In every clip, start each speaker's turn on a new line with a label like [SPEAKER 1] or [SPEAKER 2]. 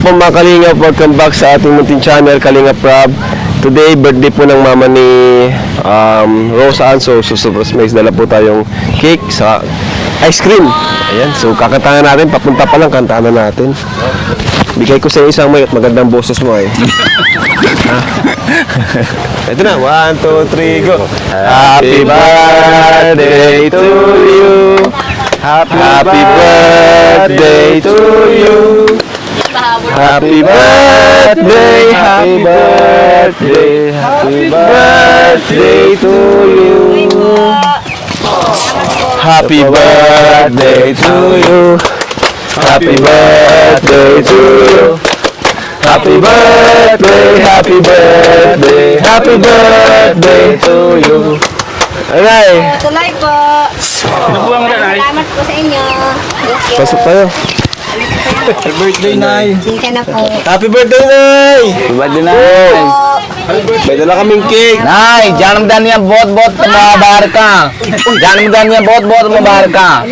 [SPEAKER 1] Po mga Kalingap, welcome back sa ating munting channel, Kalingap Rob. Today, birthday po ng mama ni Rose Ann. So, surprise, dala po tayong cake sa ice cream. Ayan, so kakantahan natin, papunta pa lang, kantahan na natin. Bigay ko sa isang may at magandang boses mo eh. Ito na, 1, 2, 3, go! Happy birthday to you! Happy birthday to you! Happy birthday, happy birthday, happy birthday to you. Happy birthday to you. Happy birthday to you. Happy birthday, happy birthday, happy birthday to you. Alay.
[SPEAKER 2] Tuloy po. Salamat po sa inyo.
[SPEAKER 1] Pasok tayo.
[SPEAKER 3] Happy birthday, Nay!
[SPEAKER 2] Sinta na po.
[SPEAKER 1] Happy birthday, Nay!
[SPEAKER 3] Happy birthday, Nay!
[SPEAKER 1] May dala kaming cake.
[SPEAKER 3] Nay, jangan dan niya bot-bot mabar ka. Jangan dan niya bot-bot mabar ka.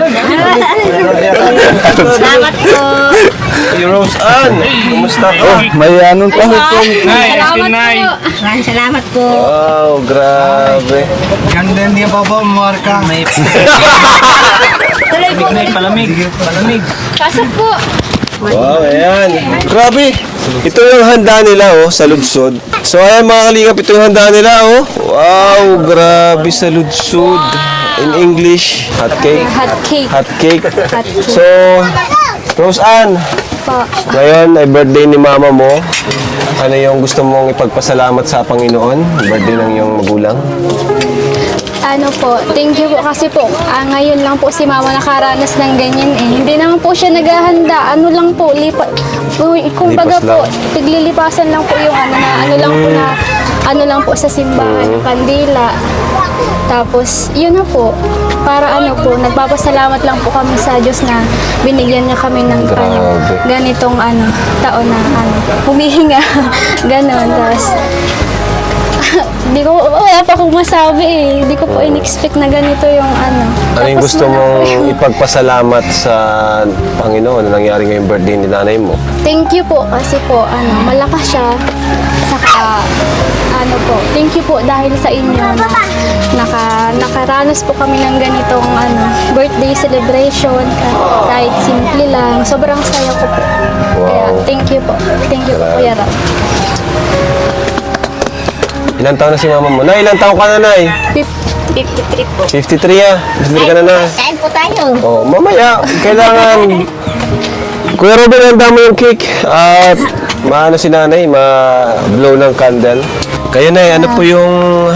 [SPEAKER 2] Salamat po.
[SPEAKER 1] Si Rose Ann, kumusta ka?
[SPEAKER 3] May anong pa?
[SPEAKER 2] Salamat po. Maraming salamat po.
[SPEAKER 1] Wow, grabe.
[SPEAKER 3] Ganda niya pa ba mabar ka? May
[SPEAKER 2] Tuloy po.
[SPEAKER 3] palamig.
[SPEAKER 2] Pasok po.
[SPEAKER 1] Wow, ayan. Grabe. Ito yung handa nila, oh, sa Ludsod. So, ayan mga Kalingap, ito yung handa nila, oh. Wow, grabe sa Ludsod. In English, hot cake.
[SPEAKER 2] Hot cake.
[SPEAKER 1] Hot cake.
[SPEAKER 2] Hot cake.
[SPEAKER 1] So, Rose Ann,
[SPEAKER 2] Po.
[SPEAKER 1] ngayon ay birthday ni mama mo. Ano yung gusto mong ipagpasalamat sa Panginoon? Birthday ng iyong magulang?
[SPEAKER 4] Ano po, thank you po kasi po, ngayon lang po si mama nakaranas ng ganyan eh. Hindi naman po siya naghahanda, ano lang po, kumbaga
[SPEAKER 1] Lipas
[SPEAKER 4] po,
[SPEAKER 1] lang.
[SPEAKER 4] tiglilipasan lang po yung ano lang po sa simbahan, kandila. Tapos, yun na po, para ano po, nagpapasalamat lang po kami sa Diyos na binigyan niya kami ng
[SPEAKER 1] Grabe.
[SPEAKER 4] ganitong taon na humihinga, ganon. Tapos, wala pa akong masabi eh. Hindi ko po in-expect na ganito yung
[SPEAKER 1] Ano yung
[SPEAKER 4] Tapos
[SPEAKER 1] gusto
[SPEAKER 4] wala
[SPEAKER 1] mong
[SPEAKER 4] po yung-
[SPEAKER 1] ipagpasalamat sa Panginoon na nangyari ngayong birthday ni nanay mo?
[SPEAKER 4] Thank you po kasi po, malakas siya. Saka, thank you po dahil sa inyo na nakaranas po kami ng ganitong birthday celebration kahit simple lang. Sobrang saya ko po. Kaya,
[SPEAKER 1] Wow.
[SPEAKER 4] thank you po. Thank you po, Kuya Ram.
[SPEAKER 1] Ilang taon na si mama mo? Nay, ilang taon ka na, Nay?
[SPEAKER 2] 53 po.
[SPEAKER 1] 53 ah. 53 ka na, Nay.
[SPEAKER 2] Kain po tayo.
[SPEAKER 1] Oh, mamaya, kailangan... Kuya Robin, handa mo yung cake. At maano si nanay, ma-blow ng candle. Kayo, Nay, ano po yung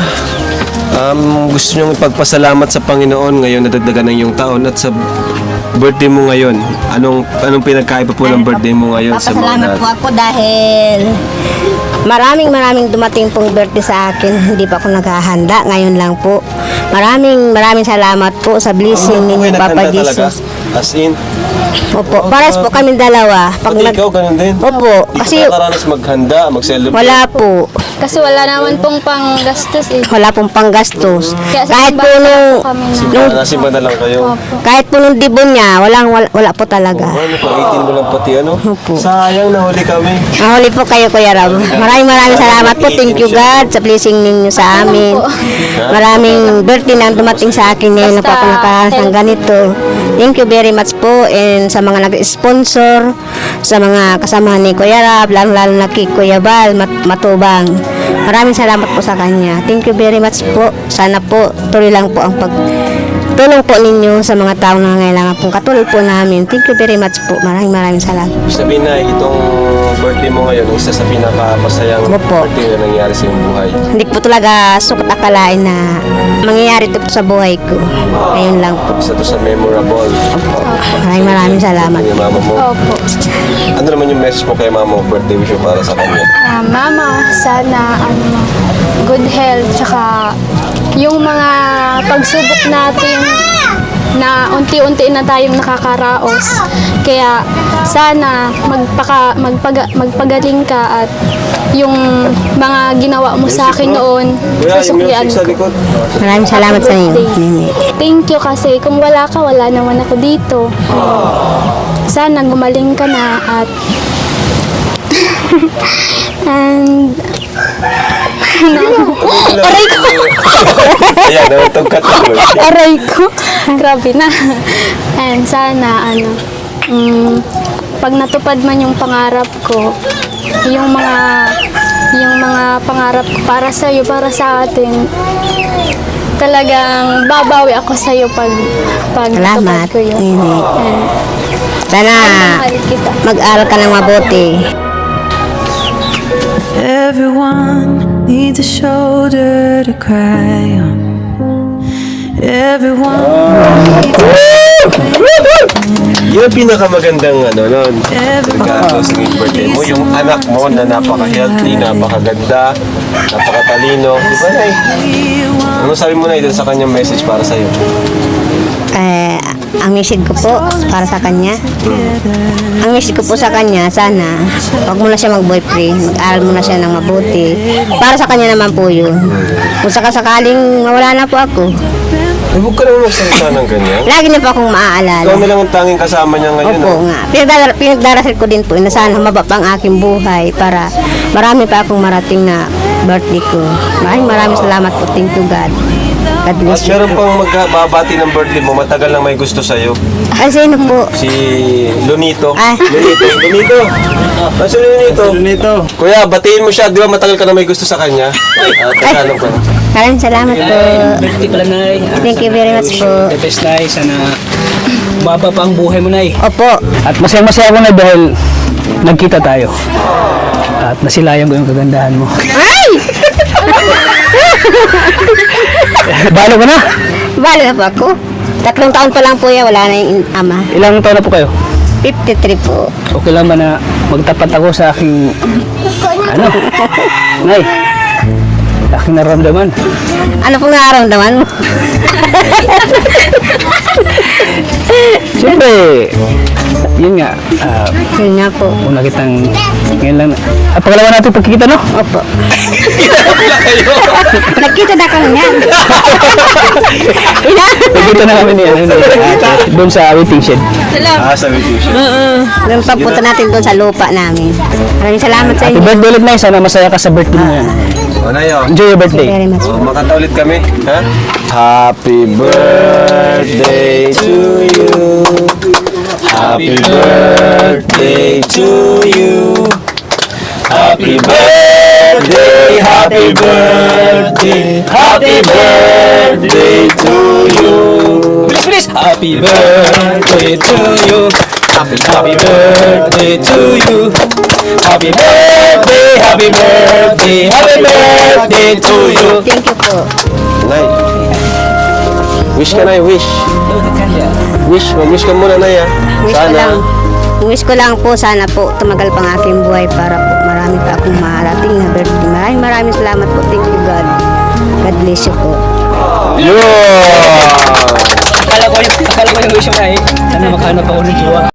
[SPEAKER 1] gusto nyong ipagpasalamat sa Panginoon ngayon nadagdagan ng iyong taon at sa birthday mo ngayon? Anong pinagkaiba po ng birthday mo ngayon sa mga
[SPEAKER 2] Papasalamat po ako dahil maraming dumating pong birthday sa akin. Hindi pa ako naghahanda. Ngayon lang po. Maraming salamat po sa blessing
[SPEAKER 1] Ano po
[SPEAKER 2] ni
[SPEAKER 1] kayo
[SPEAKER 2] Papa
[SPEAKER 1] naghanda talaga?
[SPEAKER 2] Jesus.
[SPEAKER 1] As in,
[SPEAKER 2] Opo. Paras po kami dalawa.
[SPEAKER 1] pati ikaw ganun din?
[SPEAKER 2] Opo.
[SPEAKER 1] Hindi
[SPEAKER 2] Kasi
[SPEAKER 1] ka nakaranas maghanda, mag-celebrate?
[SPEAKER 2] wala po.
[SPEAKER 4] Kasi wala naman pong panggastos eh.
[SPEAKER 2] Wala pong panggastos.
[SPEAKER 4] Kaya sa
[SPEAKER 2] Kahit po
[SPEAKER 4] simbahan
[SPEAKER 2] nung
[SPEAKER 4] lang po kami na.
[SPEAKER 1] Nasimba na lang kayo.
[SPEAKER 2] kahit po nung dibon niya, wala po talaga.
[SPEAKER 1] Ano pa, 18 mo lang pati ano?
[SPEAKER 2] Opo.
[SPEAKER 1] Sayang, nahuli kami.
[SPEAKER 2] Mahuli po kayo, Kuya Rob. Maraming salamat po. Thank you, God, sa blessing ninyo sa amin. Maraming birthday na dumating sa akin ngayon na po ako nakahas ng ganito. Thank you very much po. And sa mga nag-sponsor, sa mga kasamahan ni Kuya Rob, lalo na kay Kuya Bal, Matubang. Maraming salamat po sa kanya. Thank you very much po. Sana po, tuloy lang po ang pagtulong po ninyo sa mga taong nangangailangan pong katulad po namin. Thank you very much po. Maraming salamat.
[SPEAKER 1] Sabihin na, itong birthday mo ngayon, isa sa pinakapasayang
[SPEAKER 2] Opo.
[SPEAKER 1] birthday na nangyari sa iyong buhay.
[SPEAKER 2] Hindi ko talaga sukat akalain na mangyayari ito sa buhay ko. Ngayon lang po.
[SPEAKER 1] Isa to sa memorable.
[SPEAKER 2] Maraming salamat.
[SPEAKER 1] Yung mama mo.
[SPEAKER 4] Opo.
[SPEAKER 1] Ano naman yung message mo kay mama mo, birthday wish mo para sa kanya?
[SPEAKER 4] Mama, sana good health, tsaka yung mga pagsubok natin na unti-unti na tayong nakakaraos. Kaya sana magpagaling ka at yung mga ginawa mo sa akin noon,
[SPEAKER 1] Kuya, yung
[SPEAKER 4] susuklian
[SPEAKER 1] music sa
[SPEAKER 4] ko.
[SPEAKER 1] likod.
[SPEAKER 2] Maraming salamat sa inyo.
[SPEAKER 4] Thank you kasi kung wala ka, wala naman ako dito. Sana gumaling ka na at Aray ko.
[SPEAKER 1] Ayan, nawantog ka tuloy.
[SPEAKER 4] Aray ko. Grabe na. And sana, pag natupad man yung pangarap ko, yung mga pangarap ko para sa iyo, para sa atin, talagang babawi ako sa iyo pag natupad
[SPEAKER 2] Salamat.
[SPEAKER 4] ko yun.
[SPEAKER 2] Nini.
[SPEAKER 4] And
[SPEAKER 2] Sana
[SPEAKER 4] mahal kita.
[SPEAKER 2] mag-aral ka ng mabuti.
[SPEAKER 5] Everyone needs a shoulder to cry on. Everyone
[SPEAKER 1] Yun ang pinakamagandang nun. Regalo sa naging birthday mo. Yung anak mo na napaka-healthy, napakaganda, napakatalino. Di ba, Nay? Ano sabi mo, Nay, dun sa kanyang message para sa'yo?
[SPEAKER 2] Ang message ko po para sa kanya. Ang message ko po sa kanya, sana wag mo na siya mag-boyfriend, mag-aral mo na siya ng mabuti. Para sa kanya naman po yun. Kung sakasakaling mawala na po ako,
[SPEAKER 1] Ay, huwag ka naman magsalita ng ganyan.
[SPEAKER 2] lagi niya po akong maaalala.
[SPEAKER 1] Ikaw na lang ang tanging kasama niya ngayon.
[SPEAKER 2] Opo
[SPEAKER 1] ah.
[SPEAKER 2] nga. Pinagdarasal ko din po na sana humaba pa ang aking buhay para marami pa akong marating na birthday ko. Maraming salamat po. Thank you, God. God
[SPEAKER 1] At
[SPEAKER 2] bless you.
[SPEAKER 1] meron pang magbabati ng birthday mo, matagal lang may gusto sa'yo.
[SPEAKER 2] Ay, sino po?
[SPEAKER 1] Si Lunito.
[SPEAKER 2] Ah.
[SPEAKER 1] Lunito. Si Lunito. Kuya, batiin mo siya. Di ba matagal ka na may gusto sa kanya? Tagalog ka.
[SPEAKER 2] Maraming salamat po.
[SPEAKER 6] Birthday pala, Nay.
[SPEAKER 2] Thank you very much po.
[SPEAKER 6] The best, Nay. Sana baba pa ang buhay mo, Nay.
[SPEAKER 2] Opo.
[SPEAKER 6] At masaya-masaya ako, Nay, dahil nagkita tayo. At nasilayan ko yung kagandahan mo.
[SPEAKER 2] Ay!
[SPEAKER 6] Balo ka na?
[SPEAKER 2] Bali na po ako. 3 taon pa lang po yan. Wala na yung ama.
[SPEAKER 6] Ilang taon na po kayo?
[SPEAKER 2] 53 po.
[SPEAKER 6] Okay lang ba na magtapat ako sa aking... Ano? Nay, aking naramdaman.
[SPEAKER 2] Ano pong nararamdaman mo?
[SPEAKER 6] Siyempre, yun nga.
[SPEAKER 2] Yun nga po.
[SPEAKER 6] Una kitang... Ngayon lang. At pangalawa natin pagkikita, no?
[SPEAKER 2] Opo. Nagkita na kami yan.
[SPEAKER 6] Pagkikita na kami niya. Doon sa waiting shed.
[SPEAKER 1] Sabi ko siya.
[SPEAKER 2] Nung pagpunta natin doon sa lupa namin. Maraming salamat sa
[SPEAKER 6] Happy
[SPEAKER 2] inyo.
[SPEAKER 6] birthday ulit, Nay. Sana masaya ka sa birthday mo yan.
[SPEAKER 1] O, Nay, oh.
[SPEAKER 6] Enjoy your
[SPEAKER 2] Thank you
[SPEAKER 6] birthday.
[SPEAKER 2] very much.
[SPEAKER 1] Oh, makanta ulit kami. Ha? Happy birthday to you. Happy birthday to you. Happy birthday, happy birthday, happy birthday to you.
[SPEAKER 6] Bilis, bilis! Happy birthday to you. Happy birthday to you. Happy birthday, happy birthday, happy birthday to you.
[SPEAKER 2] Thank you po.
[SPEAKER 1] Nay, wish ka, Nay, wish. Wish ka muna, Nay, ha?
[SPEAKER 2] Wish ko lang po, sana po tumagal pang aking buhay para po marami pa akong marating na birthday. Maraming salamat po. Thank you, God. God bless you po.
[SPEAKER 1] Yun!
[SPEAKER 6] Akala ko yung wish mo, Nay. Sana makahanap ako ng jowa.